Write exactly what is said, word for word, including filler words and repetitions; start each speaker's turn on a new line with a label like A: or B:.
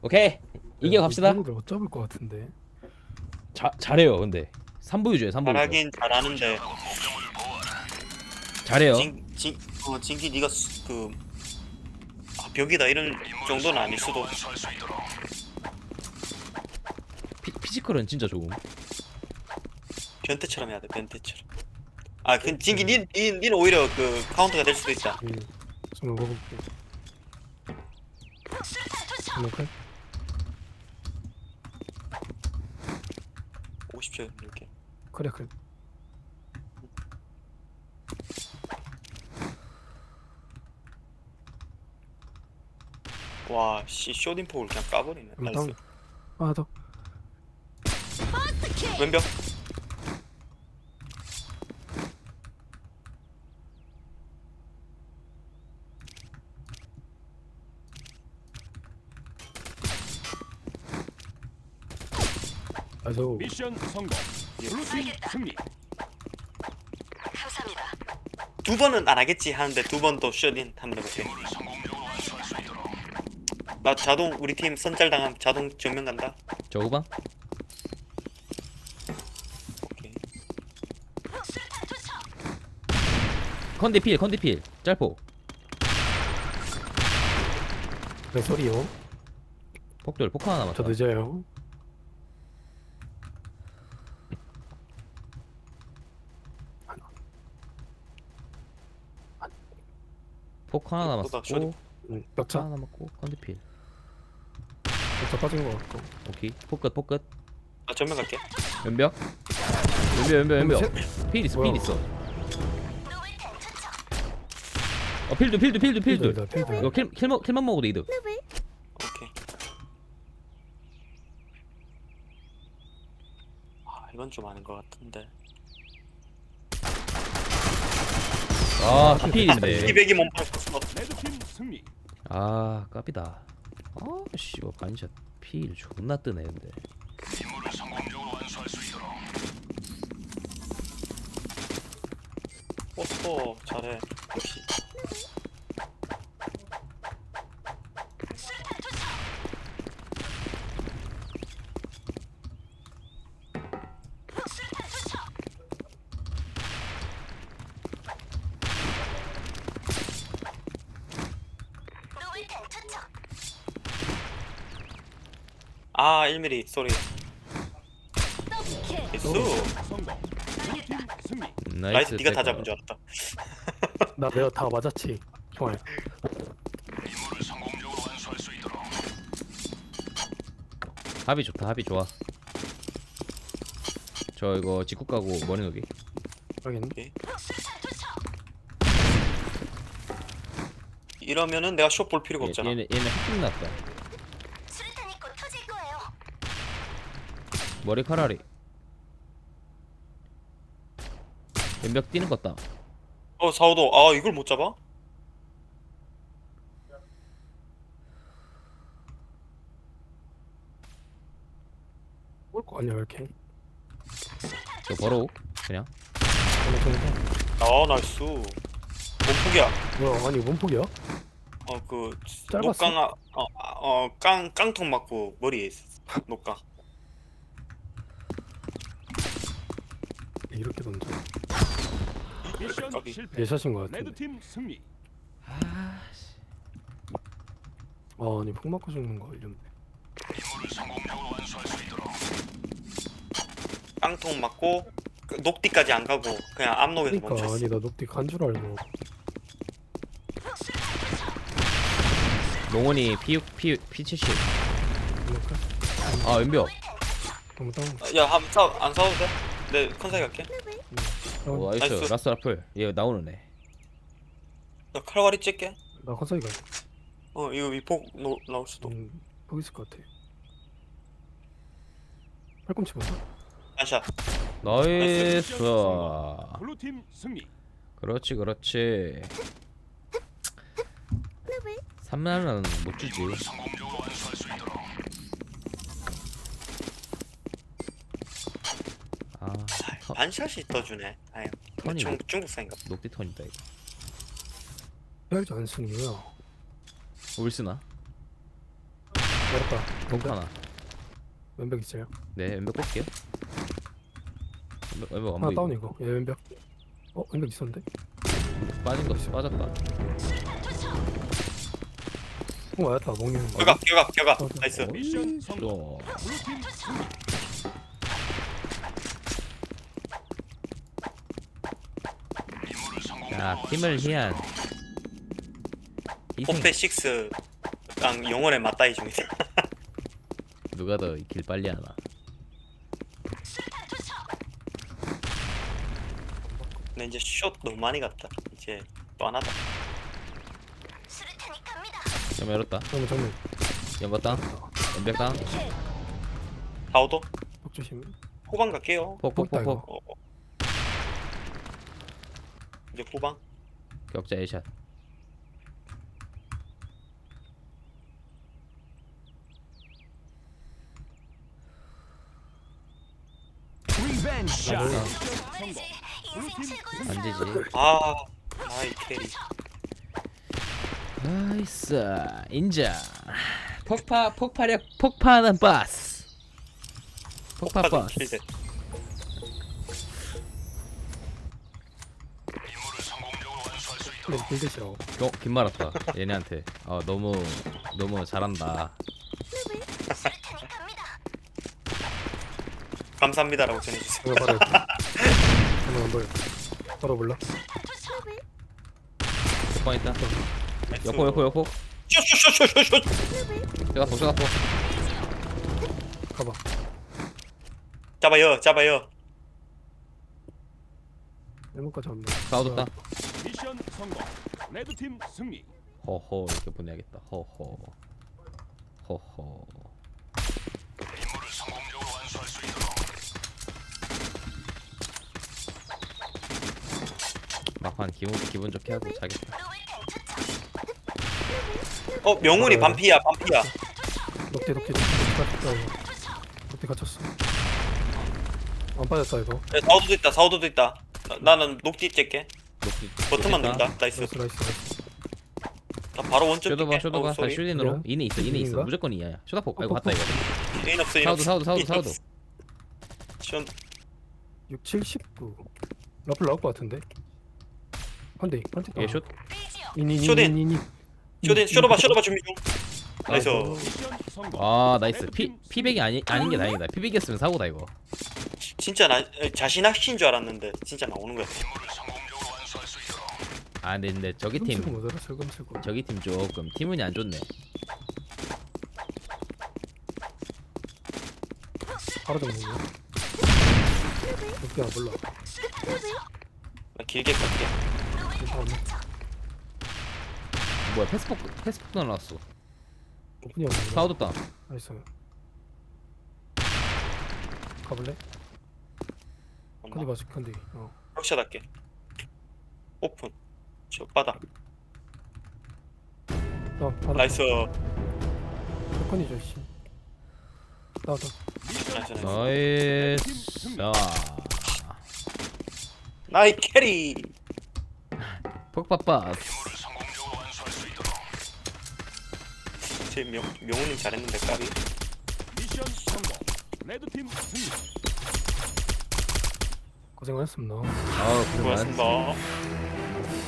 A: 오케이 이겨 갑시다.
B: 못 잡을 것 같은데.
A: 자, 잘해요. 근데 삼 부 유저예요. 삼 부 유저.
C: 잘하긴 잘하는데
A: 잘해요.
C: 진, 진, 어, 진기 네가 수- 그 아, 벽이다 이런 정도는 아닐 수도.
A: 피, 피지컬은 진짜 좋음.
C: 변태처럼 해야 돼, 변태처럼. 아, 그 진기 니, 니, 니는 오히려 그 카운터가 될 수도 있다.
B: 음. 정말 먹어볼게. 먹을?
C: 오십 초 이렇게.
B: 그래 그래.
C: 와, 씨 쇼딘폭을 그냥 까버리네.
B: 한번
C: 나이스.
B: 다운. 하나 더.
C: 왼벽.
B: 아저
D: 미션 성공. 블루팀 승리.
C: 두 번은 안 하겠지 하는데 두 번 더 쇼딘 한다고 돼. 나 자동 우리 팀 선짤 당하면 자동 정면 간다.
A: 저 후방.
C: 오케이.
A: 컨디필 컨디필 짤포.
B: 왜 소리요?
A: 폭돌 폭 하나 남았다.
B: 저 늦어요.
A: 폭 하나
C: 보다
A: 남았고
C: 쇼리-
B: 응.
A: 폭
B: 벽차.
A: 하나 남았고 컨디필.
B: 벽차 빠진 것 같고.
A: 오케이 폭끝 폭끝.
C: 나 정면 갈게.
A: 연벽. 연벽 연벽 연벽.
B: 셋.
A: 필 있어
B: 뭐야?
A: 필 있어. 어 필드 필드 필드 필드.
B: 필드다, 필드.
A: 이거 킬 킬만 킬만 먹어도 이득.
C: 오케이. 아, 이건 좀 아닌 것 같은데.
A: 아 필인데.
C: 이백이 몸빵 컸어.
D: 레드팀 승리.
A: 아 깝이다. 아씨 이거 반샷 필 존나 뜨네 근데.
C: 포스터 잘해. 역시. 아, 일 밀리미터 소리. 예스.
D: 성공. 블루팀 승리.
C: 나이스, 네가 다
A: 백업.
C: 잡은 줄 알았다.
B: 나 내가 다 맞았지. 좋아요.
A: 합이 좋다 합이 좋아. 저 이거 직구 까고 머리 녹이.
B: 확인.
C: 이러면은 내가 숏 볼 필요가
A: 얘,
C: 없잖아.
A: 얘네 얘네 흑빙 났다.
E: 수류탄이 곧 터질 거예요.
A: 머리카락이. 연벽 뛰는 것 같다.
C: 어, 사오도. 아, 이걸 못 잡아?
B: 올거 아니야 이렇게.
A: 저 버로우 그냥.
C: 아, 나이스. 몸폭이야.
B: 뭐야 아니 원폭이야?
C: 어, 그
B: 짧았어?
C: 녹강 아, 어, 아, 어, 깡 깡통 맞고 머리에 있어. 녹강.
B: 이렇게 던져.
D: 미션
C: 까비.
D: 실패.
B: 예샷인 것 같은데.
D: 레드팀 승리.
A: 아씨.
B: 아 아니 폭 맞고 죽는 거 이런데.
C: 깡통 맞고 그 녹디까지 안 가고 그냥 앞녹에서
B: 그러니까
C: 멈췄어.
B: 아니 나 녹디 간 줄 알고.
A: 농원이 P6 P P70.
B: 그러니까
A: 아 연벽.
B: 너무 다운.
C: 야, 한 싸, 안 싸워도 돼? 내 컨사이 갈게.
B: 다운.
A: 오 나이스.
C: 나이스.
A: 라스 라플. 얘 나오는 애.
C: 나 칼과리 찍게.
B: 나 컨사이 가.
C: 어, 이거 위폭 노, 나올 수도.
B: 음, 거기 있을 것 같아. 팔꿈치 보자.
C: 한샷.
A: 나이스.
D: 블루팀 승리.
A: 그렇지 그렇지. 삼만원 못 주지. 아 터,
C: 반샷이 떠주네. 아유,
A: 턴이
C: 중,
A: 녹-
C: 중국산인가?
A: 녹디 턴이다 이거.
B: 해야지 안 승이야.
A: 울스나?
B: 열었다.
A: 복 하나.
B: 왼벽 있어요.
A: 네 왼벽 볼게요. 왼벽, 왼벽 안
B: 하나
A: 보이고
B: 다운 이거. 얘 왼벽. 어 왼벽 있었는데?
A: 빠진 거 없어. 빠졌다.
B: 어 맞았다. 먹는 거.
C: 격각 격각 격각
B: 어,
C: 나이스.
D: 미션 성공.
A: 또
D: 블루팀 승리.
A: 자, 팀을 희한 희생.
C: 포페 식스랑 영혼의 맞다이 중이다.
A: 누가 더 길 빨리 하나.
C: 근데 이제 숏 너무 많이 갔다. 이제 뻔하다.
E: 수류탄이 갑니다.
A: 좀 열었다.
B: 정면 정면.
A: 연거 땅. 왼벽 땅.
C: 하우도
B: 복 조심.
C: 후방 갈게요.
B: 폭다,
A: 폭폭폭폭.
C: 어, 어. 이제 후방.
A: 격자 A샷.
D: 리벤지 샷.
E: 정말이지. 인생
D: 블루팀
E: 최고였어요.
A: 안지지.
C: 아, 아이 캐리.
A: 나이스. 인정. 폭파 폭파력 폭파하는 버스. 폭파
C: 폭파도
A: 버스.
C: 킬대.
B: 근데 빌드시라고.
A: 어, 긴 말았다. 얘네한테. 어, 너무 너무 잘한다.
E: 수류탄이 갑니다.
C: 감사합니다라고 전해주세요.
B: 내가 바로 이렇게. 한번 안 보여. 바로 몰라.
A: 폭방 있다.
C: 나이스.
A: 여포 여포 여포.
C: 슛슛슛슛슛.
A: 쏘가포 쏘가포.
B: 가봐.
C: 잡아요, 잡아요.
B: 일문까지 왔네.
A: 싸워줬다.
D: 미션 성공. 레드팀 승리.
A: 허허 이렇게 보내야겠다. 허허. 허허. 막판 기분 기분 좋게 하고 자겠다.
E: 로봇탄 투척.
C: 어, 명훈이
B: 알아요.
C: 반피야, 반피야.
B: 녹대 녹대 녹대 갇혔다 이거. 녹대 갇혔어. 안 빠졌다 이거.
C: 야, 사우도도 있다, 사우도도 있다. 나, 나는 녹디 째게.
A: 녹지-
C: 버튼만
A: 녹지 있다.
C: 누른다. 나이스.
B: 나이스 나이스 나이스.
C: 나 바로 원점
A: 쇼도봐
C: 뛸게.
A: 쇼도봐
C: 어,
A: 다
C: 쏘리.
A: 슈딘으로
B: 그래요?
A: 이네 있어 이네 있어
B: 슈딘인가?
A: 무조건 이야. 쇼다폭 아이고
B: 어,
A: 갔다 이거.
C: 에인 없어, 에인
A: 사우도
C: 없어.
A: 사우도 사우도
C: 에인
A: 사우도.
C: 없어. 시원.
B: 육, 칠십구. 라플 나올 것 같은데. 한대 한대.
A: 얘 슛.
E: 빌지요.
B: 이니
C: 쇼딘.
B: 이니 이니.
C: 쇼딘, 쇼도바, 쇼도바 준비 중. 나이스.
D: 미션 성공.
A: 아 나이스. 피 피백이 아니 아닌 게 다행이다. 피백이었으면 사고다 이거.
C: 진짜 나 자신 확신 줄 알았는데 진짜 나오는 거야.
A: 아 근데, 근데 저기
B: 슬금
A: 팀
B: 뭐더라 슬금 슬금.
A: 저기 팀 조금 팀운이 안 좋네.
B: 바로 잡는 거. 녹대 안 몰라.
C: 나 길게 갈게.
B: 괜찮네.
A: 뭐야 패스폭 패스폭 날라왔어.
B: 오픈이 없는 거.
A: 사우도 땅.
B: 나이스. 가볼래? 컨디 맞을 컨디. 어.
C: 럭샷 할게. 오픈. 저 바닥.
B: 나 바로.
C: 나이스.
B: 컨디죠 씨. 나왔다.
C: 나이스, 나이스.
A: 나이스. 자
C: 나이 캐리.
A: 폭파빠스.
C: 제 명, 명훈님 잘했는데 까비.
D: 미션 성공. 레드팀 승리.
B: 고생하셨습니다.
A: 아 고생 많았어.
C: 고맙습니다.